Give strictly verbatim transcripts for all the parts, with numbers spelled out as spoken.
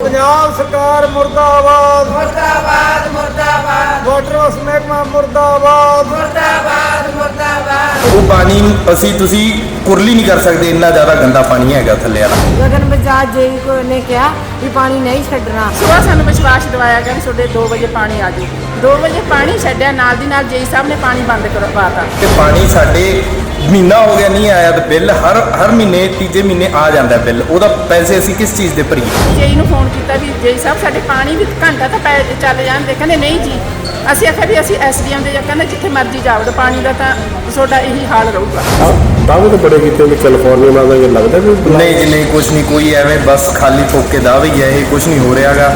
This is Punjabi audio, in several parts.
पंजाब सरकार मुर्दाबाद मुर्दाबाद मुर्दाबाद वाटर वर्क्स महकमा मुर्दाबाद मुर्दाबाद मुर्दाबाद। ਉਹ ਪਾਣੀ ਅਸੀਂ ਤੁਸੀਂ ਕੁਰਲੀ ਨਹੀਂ ਕਰ ਸਕਦੇ, ਇੰਨਾ ਜ਼ਿਆਦਾ ਗੰਦਾ ਪਾਣੀ ਹੈਗਾ ਥੱਲੇ ਵਾਲਾ। ਗਗਨ ਬਜਾਜ ਜੀ ਕੋ ਨੇ ਕਿਹਾ ਵੀ ਪਾਣੀ ਨਹੀਂ ਛੱਡਣਾ। ਸੁਬਾਹ ਸਾਨੂੰ ਵਿਸ਼ਵਾਸ ਦਿਵਾਇਆ ਗਿਆ ਕਿ ਤੁਹਾਡੇ ਦੋ ਵਜੇ ਪਾਣੀ ਆ ਜੂ। ਦੋ ਵਜੇ ਪਾਣੀ ਛੱਡਿਆ, ਨਾਲ ਦੀ ਨਾਲ ਜੇਈ ਸਾਹਿਬ ਨੇ ਪਾਣੀ ਬੰਦ ਕਰਵਾਤਾ। ਤੇ ਪਾਣੀ ਸਾਡੇ ਮਹੀਨਾ ਹੋ ਗਿਆ ਨਹੀਂ ਆਇਆ, ਤੇ ਬਿੱਲ ਹਰ ਹਰ ਮਹੀਨੇ ਤੀਜੇ ਮਹੀਨੇ ਆ ਜਾਂਦਾ ਬਿੱਲ। ਉਹਦਾ ਪੈਸੇ ਅਸੀਂ ਕਿਸ ਚੀਜ਼ ਦੇ ਭਰੀਏ? ਜੇਈ ਨੂੰ ਫੋਨ ਕੀਤਾ ਵੀ ਜੇਈ ਸਾਹਿਬ ਸਾਡੇ ਪਾਣੀ ਵੀ ਘੰਟਾ ਤਾਂ ਪੈ ਚੱਲ ਜਾਂਦੇ, ਕਹਿੰਦੇ ਨਹੀਂ ਜੀ। ਅਸੀਂ ਆਖਿਆ ਵੀ ਅਸੀਂ ਐਸਡੀਐਮ ਦੇ ਜਾਂ ਕਹਿੰਦੇ ਜਿੱਥੇ ਮਰਜ਼ੀ ਜਾਵੜੋ, ਪਾਣੀ ਦਾ ਤਾਂ ਤੁਹਾਡਾ ਇਹੀ ਹਾਲ ਰਹੂਗਾ। ਦਾਅਵੇ ਤਾਂ ਬੜੇ ਕੀਤੇ ਵੀ ਕੈਲੀਫੋਰਨੀਆ ਨਾਲ ਇਹ ਲੱਗਦਾ ਵੀ ਨਹੀਂ ਜੀ ਨਹੀਂ, ਕੁਛ ਨਹੀਂ, ਕੋਈ ਐਵੇਂ ਬਸ ਖਾਲੀ ਠੋਕੇ ਦਾਅਵੇ ਹੀ ਹੈ, ਇਹ ਕੁਛ ਨਹੀਂ ਹੋ ਰਿਹਾਗਾ।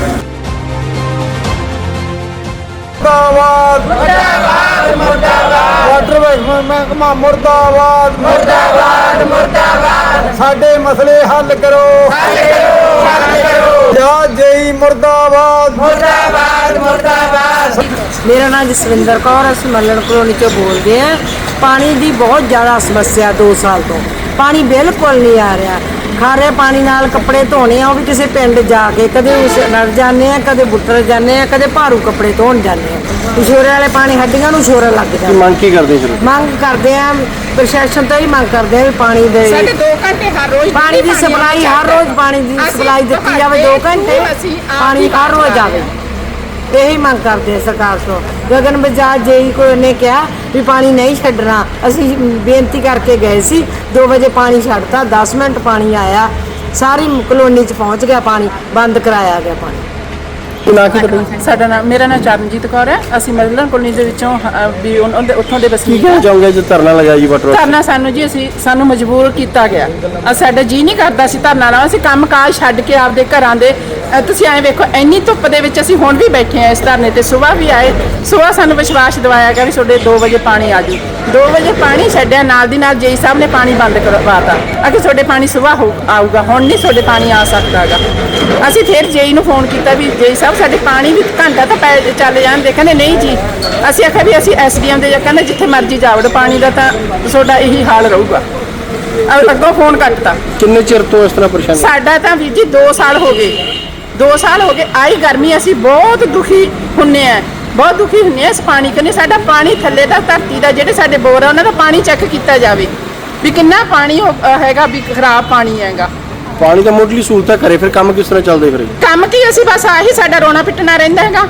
मुर्दाबाद मुर्दाबाद मुर्दाबाद वाटर वर्क्स महकमा मुर्दाबाद मुर्दाबाद मुर्दाबाद। साडे मसले हल करो हल करो हल करो या जेई मुर्दाबाद मुर्दाबाद मुर्दाबाद। ਮੇਰਾ ਨਾਮ ਜਸਵਿੰਦਰ ਕੌਰ, ਅਸੀਂ ਮੱਲਣ ਕਲੋਨੀ ਚੋਂ ਬੋਲਦੇ ਹਾਂ। ਪਾਣੀ ਦੀ ਬਹੁਤ ਜ਼ਿਆਦਾ ਸਮੱਸਿਆ ਦੋ ਸਾਲ ਤੋਂ, ਪਾਣੀ ਬਿਲਕੁਲ ਨਹੀਂ ਆ ਰਿਹਾ। ਖਾਰੇ ਪਾਣੀ ਨਾਲ ਕੱਪੜੇ ਧੋਣੇ ਆ, ਉਹ ਵੀ ਕਿਸੇ ਪਿੰਡ ਜਾ ਕੇ, ਕਦੇ ਉਸ ਨਰ ਜਾਂਦੇ ਆ, ਕਦੇ ਬੁੱਟਰ ਜਾਂਦੇ ਆ, ਕਦੇ ਭਾਰੂ ਕੱਪੜੇ ਧੋਣ ਜਾਂਦੇ ਆ। ਸ਼ੋਰੇ ਵਾਲੇ ਪਾਣੀ ਹੱਡੀਆਂ ਨੂੰ ਸ਼ੋਰ ਲੱਗ ਜਾਂਦਾ। ਮੰਗ ਕੀ ਕਰਦੇ ਫਿਰ? ਮੰਗ ਕਰਦੇ ਆ ਪ੍ਰਸ਼ਾਸਨ ਤੋਂ ਹੀ ਮੰਗ ਕਰਦੇ ਆ ਵੀ ਪਾਣੀ ਦੇ ਸਾਡੇ ਦੋ ਘੰਟੇ ਹਰ ਰੋਜ਼ ਪਾਣੀ ਦੀ ਸਪਲਾਈ, ਹਰ ਰੋਜ਼ ਪਾਣੀ ਦੀ ਸਪਲਾਈ ਦਿੱਤੀ ਜਾਵੇ। ਦੋ ਘੰਟੇ ਪਾਣੀ ਹਰ ਰੋਜ਼ ਆਵੇ, ਇਹੀ ਮੰਗ ਕਰਦੇ ਆ ਸਰਕਾਰ ਤੋਂ। ਗਗਨ ਬਜਾਜ ਜੀ ਕੋ ਨੇ ਕਿਹਾ ਵੀ ਪਾਣੀ ਨਹੀਂ ਛੱਡਣਾ। ਅਸੀਂ ਬੇਨਤੀ ਕਰਕੇ ਗਏ ਸੀ, ਦੋ ਵਜੇ ਪਾਣੀ ਛੱਡਤਾ, ਦਸ ਮਿੰਟ ਪਾਣੀ ਆਇਆ, ਸਾਰੀ ਕਲੋਨੀ 'ਚ ਪਹੁੰਚ ਗਿਆ ਪਾਣੀ, ਬੰਦ ਕਰਾਇਆ ਗਿਆ ਪਾਣੀ। ਨਾ ਕੀ ਪਤਾ ਸਾਡਾ ਨਾਮ ਮੇਰਾ ਨਾਮ ਚਰਨਜੀਤ ਕੌਰ ਹੈ। ਅਸੀਂ ਮੱਲਣ ਕਲੋਨੀ ਦੇ ਵਿੱਚੋਂ ਅ, ਵੀ ਉਹਨਾਂ ਦੇ ਉੱਥੋਂ ਦੇ ਕੀ ਵਸਨੀਕ ਕਹਿਣਾ ਹਾਂ। ਚਾਹੋਗੇ ਜੇ ਧਰਨਾ ਲਗਾਇਆ ਜੀ ਵਾਟਰ ਧਰਨਾ ਸਾਨੂੰ ਜੀ ਅਸੀਂ ਸਾਨੂੰ ਮਜਬੂਰ ਕੀਤਾ ਗਿਆ। ਅ ਸਾਡਾ ਜੀ ਨਹੀਂ ਕਰਦਾ ਸੀ ਧਰਨਾ ਲਾਉਣ। ਅਸੀਂ ਕੰਮ ਕਾਜ ਛੱਡ ਕੇ ਆਪਦੇ ਘਰਾਂ ਦੇ ਅ, ਤੁਸੀਂ ਐਂ ਵੇਖੋ, ਇੰਨੀ ਧੁੱਪ ਦੇ ਵਿੱਚ ਅਸੀਂ ਹੁਣ ਵੀ ਬੈਠੇ ਆ ਇਸ ਧਰਨੇ ਤੇ। ਸੁਬਾਹ ਵੀ ਆਏ, ਸੁਬਾਹ ਸਾਨੂੰ ਵਿਸ਼ਵਾਸ ਦਿਵਾਇਆ ਗਿਆ ਵੀ ਤੁਹਾਡੇ ਦੋ ਵਜੇ ਪਾਣੀ ਆ ਜੂ। ਦੋ ਵਜੇ ਪਾਣੀ ਛੱਡਿਆ, ਨਾਲ ਦੀ ਨਾਲ ਜੇਈ ਸਾਹਿਬ ਨੇ ਪਾਣੀ ਬੰਦ ਕਰਵਾਤਾ। ਅਗੇ ਤੁਹਾਡੇ ਪਾਣੀ ਸੁਬਾਹ ਹੋ ਆਊਗਾ, ਹੁਣ ਨਹੀਂ ਤੁਹਾਡੇ ਪਾਣੀ ਆ ਸਕਦਾ ਗਾ। ਅਸੀਂ ਫਿਰ ਜੇਈ ਨੂੰ ਫੋਨ ਕੀਤਾ ਵੀ ਜੇਈ ਸਾਹਿਬ ਸਾਡੇ ਪਾਣੀ ਵੀ ਘੰਟਾ ਤਾਂ ਪੈ ਚੱਲ ਜਾਂਦੇ, ਕਹਿੰਦੇ ਨਹੀਂ ਜੀ। ਅਸੀਂ ਆਖਿਆ ਵੀ ਅਸੀਂ ਐਸਡੀਐਮ ਦੇ ਜਾਂ ਕਹਿੰਦੇ ਜਿੱਥੇ ਮਰਜ਼ੀ ਜਾਵੜੋ, ਪਾਣੀ ਦਾ ਤਾਂ ਤੁਹਾਡਾ ਇਹੀ ਹਾਲ ਰਹੂਗਾ। ਅ- ਅੱਗੋਂ ਫੋਨ ਕੱਟਤਾ। ਕਿੰਨੇ ਚਿਰ ਤੋਂ ਇਸ ਤਰ੍ਹਾਂ ਪਰੇਸ਼ਾਨ? ਸਾਡਾ ਤਾਂ ਵੀਰ ਜੀ ਦੋ ਸਾਲ ਹੋ ਗਏ, ਦੋ ਸਾਲ ਹੋ ਗਏ। ਆਈ ਗਰਮੀ ਅਸੀਂ ਬਹੁਤ ਦੁਖੀ ਹੁੰਨੇ ਆ, ਬਹੁਤ ਦੁਖੀ ਹੁੰਨੇ ਆ ਇਸ ਪਾਣੀ ਕਨੇ। ਸਾਡਾ ਪਾਣੀ ਥੱਲੇ ਦਾ, ਧਰਤੀ ਦਾ, ਜਿਹੜੇ ਸਾਡੇ ਬੋਰ ਆ ਉਹਨਾਂ ਦਾ ਪਾਣੀ ਚੈੱਕ ਕੀਤਾ ਜਾਵੇ ਵੀ ਕਿੰਨਾ ਪਾਣੀ ਉਹ ਹੈਗਾ, ਵੀ ਖਰਾਬ ਪਾਣੀ ਹੈਗਾ। ਪਾਣੀ ਤਾਂ ਮੁੱਢਲੀ ਸਹੂਲਤਾਂ ਕਰੇ, ਫਿਰ ਕੰਮ ਕਿਸ ਤਰ੍ਹਾਂ ਚੱਲਦੇ ਫਿਰ? ਕੰਮ ਕੀ, ਅਸੀਂ ਬਸ ਆਹੀ ਸਾਡਾ ਰੋਣਾ ਪਿੱਟਣਾ ਰਹਿੰਦਾ ਹੈਗਾ।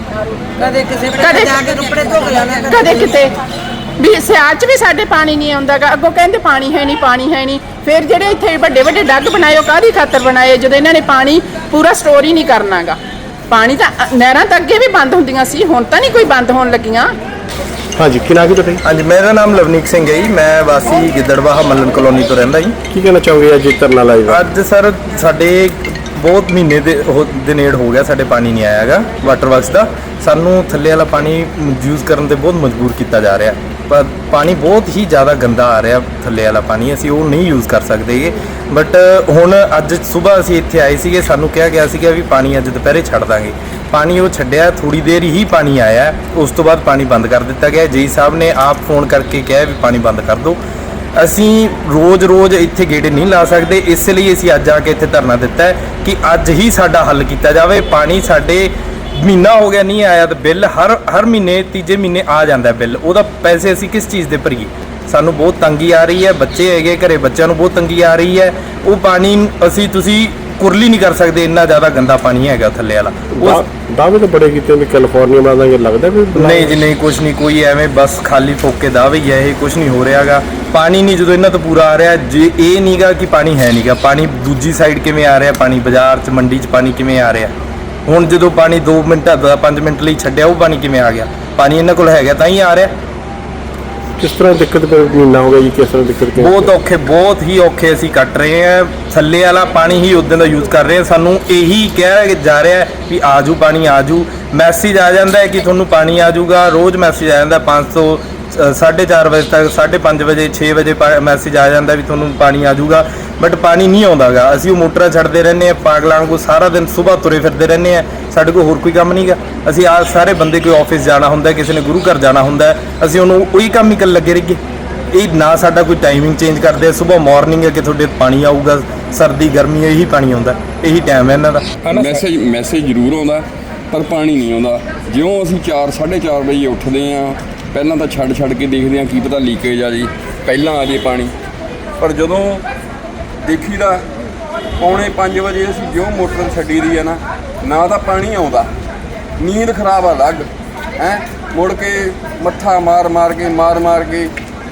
ਕਦੇ ਕਿਸੇ ਕਦੇ ਜਾ ਕੇ ਕੱਪੜੇ ਧੋ ਕੇ ਆਉਣਾ, ਕਦੇ ਕਿਤੇ ਵੀ ਸਿਆਲ 'ਚ ਵੀ ਸਾਡੇ ਪਾਣੀ ਨਹੀਂ ਆਉਂਦਾਗਾ। ਅੱਗੋਂ ਕਹਿੰਦੇ ਪਾਣੀ ਹੈ ਨਹੀਂ, ਪਾਣੀ ਹੈ ਨਹੀਂ। ਫਿਰ ਜਿਹੜੇ ਇੱਥੇ ਵੱਡੇ ਵੱਡੇ ਡੱਗ ਬਣਾਏ, ਉਹ ਕਾਹਦੀ ਖਾਤਰ ਬਣਾਏ ਜਦੋਂ ਇਹਨਾਂ ਨੇ ਪਾਣੀ ਪੂਰਾ ਸਟੋਰ ਹੀ ਨਹੀਂ ਕਰਨਾਗਾ। ਪਾਣੀ ਤਾਂ ਅ, ਨਹਿਰਾਂ ਤਾਂ ਅੱਗੇ ਵੀ ਬੰਦ ਹੁੰਦੀਆਂ ਸੀ, ਹੁਣ ਤਾਂ ਨਹੀਂ ਕੋਈ ਬੰਦ ਹੋਣ ਲੱਗੀਆਂ। ਹਾਂਜੀ, ਕੀ ਨਾ ਕੀ ਤੁਹਾਡਾ? ਹਾਂਜੀ, ਮੇਰਾ ਨਾਮ ਲਵਨੀਕ ਸਿੰਘ ਹੈ ਜੀ। ਮੈਂ ਵਾਸੀ ਗਿੱਦੜਵਾਹਾ ਮੱਲਣ ਕਲੋਨੀ ਤੋਂ ਰਹਿੰਦਾ ਜੀ। ਕੀ ਕਹਿਣਾ ਚਾਹੋਗੇ ਅੱਜ ਇਹ ਧਰਨਾ ਲਾਇਆ? ਅੱਜ ਸਰ ਸਾਡੇ ਬਹੁਤ ਮਹੀਨੇ ਦੇ ਉਹ ਦੇ ਨੇੜ ਹੋ ਗਿਆ, ਸਾਡੇ ਪਾਣੀ ਨਹੀਂ ਆਇਆ ਹੈਗਾ ਵਾਟਰ ਵਰਕਸ ਦਾ। ਸਾਨੂੰ ਥੱਲੇ ਵਾਲਾ ਪਾਣੀ ਯੂਜ਼ ਕਰਨ ਤੇ ਬਹੁਤ ਮਜਬੂਰ ਕੀਤਾ ਜਾ ਰਿਹਾ। ਪਰ ਪਾਣੀ ਬਹੁਤ ਹੀ ਜ਼ਿਆਦਾ ਗੰਦਾ ਆ ਰਿਹਾ, ਥੱਲੇ ਵਾਲਾ ਪਾਣੀ ਅਸੀਂ ਉਹ ਨਹੀਂ ਯੂਜ਼ ਕਰ ਸਕਦੇਗੇ। ਬਟ ਹੁਣ ਅੱਜ ਸਵੇਰ ਅਸੀਂ ਇੱਥੇ ਆਏ ਸੀਗੇ, ਸਾਨੂੰ ਕਿਹਾ ਗਿਆ ਸੀਗਾ ਵੀ ਪਾਣੀ ਅੱਜ ਦੁਪਹਿਰੇ ਛੱਡ ਦਾਂਗੇ। ਪਾਣੀ ਉਹ ਛੱਡਿਆ, ਥੋੜੀ ਦੇਰ ਹੀ ਪਾਣੀ ਆਇਆ, ਉਸ ਤੋਂ ਬਾਅਦ ਪਾਣੀ ਬੰਦ ਕਰ ਦਿੱਤਾ ਗਿਆ। ਜੀ ਸਾਹਿਬ ਨੇ ਆਪ ਫੋਨ ਕਰਕੇ ਕਿਹਾ ਵੀ ਪਾਣੀ ਬੰਦ ਕਰ ਦਿਓ। ਅਸੀਂ ਰੋਜ਼-ਰੋਜ਼ ਇੱਥੇ ਗੇੜੇ ਨਹੀਂ ਲਾ ਸਕਦੇ, ਇਸ ਲਈ ਅਸੀਂ ਅੱਜ ਆ ਕੇ ਇੱਥੇ ਧਰਨਾ ਦਿੱਤਾ ਹੈ ਕਿ ਅੱਜ ਹੀ ਸਾਡਾ ਹੱਲ ਕੀਤਾ ਜਾਵੇ। ਪਾਣੀ ਸਾਡੇ ਮਹੀਨਾ ਹੋ ਗਿਆ ਨਹੀਂ ਆਇਆ, ਤੇ ਬਿੱਲ ਹਰ ਹਰ ਮਹੀਨੇ ਤੀਜੇ ਮਹੀਨੇ ਆ ਜਾਂਦਾ ਬਿੱਲ। ਉਹਦਾ ਪੈਸੇ ਅਸੀਂ ਕਿਸ ਚੀਜ਼ ਦੇ ਭਰੀਏ? ਸਾਨੂੰ ਬਹੁਤ ਤੰਗੀ ਆ ਰਹੀ ਹੈ, ਬੱਚੇ ਹੈਗੇ ਘਰੇ, ਬੱਚਿਆਂ ਨੂੰ ਬਹੁਤ ਤੰਗੀ ਆ ਰਹੀ ਹੈ। ਉਹ ਪਾਣੀ ਅਸੀਂ ਤੁਸੀਂ ਕੁਰਲੀ ਨਹੀਂ ਕਰ ਸਕਦੇ, ਇੰਨਾ ਜ਼ਿਆਦਾ ਗੰਦਾ ਪਾਣੀ ਹੈਗਾ ਥੱਲੇ ਵਾਲਾ। ਉਹ ਦਾਅਵੇ ਤਾਂ ਬੜੇ ਕੀਤੇ ਵੀ ਕੈਲੀਫੋਰਨੀਆ ਨਾਲ ਇਹ ਲੱਗਦਾ ਵੀ ਨਹੀਂ ਜੀ ਨਹੀਂ, ਕੁਛ ਨਹੀਂ, ਕੋਈ ਐਵੇਂ ਬਸ ਖਾਲੀ ਠੋਕੇ ਦਾਅਵੇ ਹੀ ਹੈ, ਇਹ ਕੁਛ ਨਹੀਂ ਹੋ ਰਿਹਾਗਾ। ਪਾਣੀ ਨਹੀਂ ਜਦੋਂ ਇਹਨਾਂ ਤੋਂ ਪੂਰਾ ਆ ਰਿਹਾ, ਜੇ ਇਹ ਨਹੀਂਗਾ ਕਿ ਪਾਣੀ ਹੈ ਨਹੀਂਗਾ, ਪਾਣੀ ਦੂਜੀ ਸਾਈਡ ਕਿਵੇਂ ਆ ਰਿਹਾ? ਪਾਣੀ ਬਾਜ਼ਾਰ 'ਚ, ਮੰਡੀ 'ਚ ਪਾਣੀ ਕਿਵੇਂ ਆ ਰਿਹਾ? ਹੁਣ ਜਦੋਂ ਪਾਣੀ ਦੋ ਮਿੰਟਾਂ ਦਾ ਪੰਜ ਮਿੰਟ ਲਈ ਛੱਡਿਆ, ਉਹ ਪਾਣੀ ਕਿਵੇਂ ਆ ਗਿਆ? ਪਾਣੀ ਇਹਨਾਂ ਕੋਲ ਹੈਗਾ ਤਾਂ ਹੀ ਆ ਰਿਹਾ। ਕਿਸ ਤਰ੍ਹਾਂ ਦਿੱਕਤ ਮਹੀਨਾ ਹੋ ਗਿਆ ਜੀ? ਕਿਸ ਤਰ੍ਹਾਂ ਦਿੱਕਤ? ਬਹੁਤ ਔਖੇ, ਬਹੁਤ ਹੀ ਔਖੇ ਅਸੀਂ ਕੱਟ ਰਹੇ ਹਾਂ। ਥੱਲੇ ਵਾਲਾ ਪਾਣੀ ਹੀ ਉਦੋਂ ਦਾ ਯੂਜ਼ ਕਰ ਰਹੇ ਹਾਂ। ਸਾਨੂੰ ਇਹੀ ਕਿਹਾ ਜਾ ਰਿਹਾ ਵੀ ਆਜੂ ਪਾਣੀ ਆਜੂ, ਮੈਸੇਜ ਆ ਜਾਂਦਾ ਹੈ ਕਿ ਤੁਹਾਨੂੰ ਪਾਣੀ ਆ ਜਾਊਗਾ। ਰੋਜ਼ ਮੈਸੇਜ ਆ ਜਾਂਦਾ ਪੰਜ ਸੌ ਸਾਢੇ ਚਾਰ ਵਜੇ ਤੱਕ, ਸਾਢੇ ਪੰਜ ਵਜੇ ਛੇ ਵਜੇ ਮੈਸੇਜ ਆ ਜਾਂਦਾ ਵੀ ਤੁਹਾਨੂੰ ਪਾਣੀ ਆ ਜਾਊਗਾ। ਬਟ ਪਾਣੀ ਨਹੀਂ ਆਉਂਦਾਗਾ। ਅਸੀਂ ਉਹ ਮੋਟਰਾਂ ਛੱਡਦੇ ਰਹਿੰਦੇ ਹਾਂ ਪਾਗਲਾਂ ਵਾਂਗੂ, ਸਾਰਾ ਦਿਨ ਸੁਬਾਹ ਤੁਰੇ ਫਿਰਦੇ ਰਹਿੰਦੇ ਹਾਂ। ਸਾਡੇ ਕੋਲ ਹੋਰ ਕੋਈ ਕੰਮ ਨਹੀਂ ਗਾ। ਅਸੀਂ ਆ ਸਾਰੇ ਬੰਦੇ ਕੋਈ ਆਫਿਸ ਜਾਣਾ ਹੁੰਦਾ, ਕਿਸੇ ਨੇ ਗੁਰੂ ਘਰ ਜਾਣਾ ਹੁੰਦਾ, ਅਸੀਂ ਉਹਨੂੰ ਉਹੀ ਕੰਮ ਹੀ ਕਰਨ ਲੱਗੇ ਰਹੀਏ। ਇਹ ਨਾ ਸਾਡਾ ਕੋਈ ਟਾਈਮਿੰਗ ਚੇਂਜ ਕਰਦੇ ਆ। ਸੁਬਾਹ ਮਾਰਨਿੰਗ ਹੈ ਕਿ ਤੁਹਾਡੇ ਪਾਣੀ ਆਊਗਾ, ਸਰਦੀ ਗਰਮੀ ਇਹੀ ਪਾਣੀ ਆਉਂਦਾ, ਇਹੀ ਟਾਈਮ ਹੈ ਇਹਨਾਂ ਦਾ। ਮੈਸੇਜ ਮੈਸੇਜ ਜ਼ਰੂਰ ਆਉਂਦਾ ਪਰ ਪਾਣੀ ਨਹੀਂ ਆਉਂਦਾ। ਜਿਉਂ ਅਸੀਂ ਚਾਰ ਸਾਢੇ ਚਾਰ ਵਜੇ ਉੱਠਦੇ ਹਾਂ, ਪਹਿਲਾਂ ਤਾਂ ਛੱਡ ਛੱਡ ਕੇ ਦੇਖਦੇ ਹਾਂ ਕੀ ਪਤਾ ਲੀਕੇਜ ਆ ਜੀ, ਪਹਿਲਾਂ ਆ ਜੇ ਪਾਣੀ। ਪਰ ਜਦੋਂ ਦੇਖੀਦਾ ਪੌਣੇ ਪੰਜ ਵਜੇ ਅਸੀਂ ਜਿਉਂ ਮੋਟਰ ਛੱਡੀ ਦੀ ਆ ਨਾ, ਨਾ ਤਾਂ ਪਾਣੀ ਆਉਂਦਾ, ਨੀਂਦ ਖਰਾਬ ਆ ਲੱਗ ਹੈ। ਮੁੜ ਕੇ ਮੱਥਾ ਮਾਰ ਮਾਰ ਕੇ ਮਾਰ ਮਾਰ ਕੇ